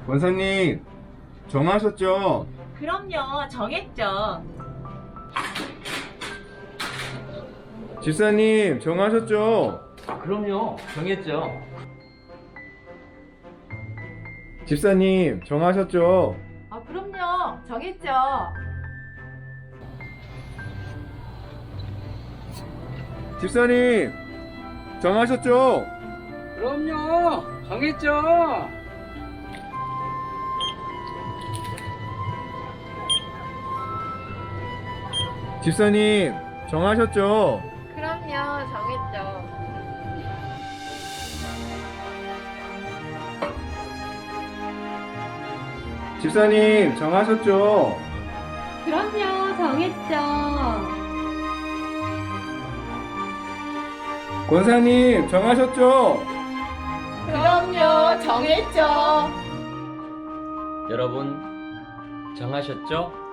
권사님, 정하셨죠? 그럼요, 정했죠. 집사님, 정하셨죠? 그럼요, 정했죠. 집사님, 정하셨죠? 그럼요. 정했죠. 집사님, 정하셨죠? 그럼요, 정했죠. 집사님, 정하셨죠? 그럼요. 정했죠. 집사님, 정하셨죠? 그럼요. 정했죠. 권사님, 정하셨죠? 그럼요. 정했죠. 여러분, 정하셨죠?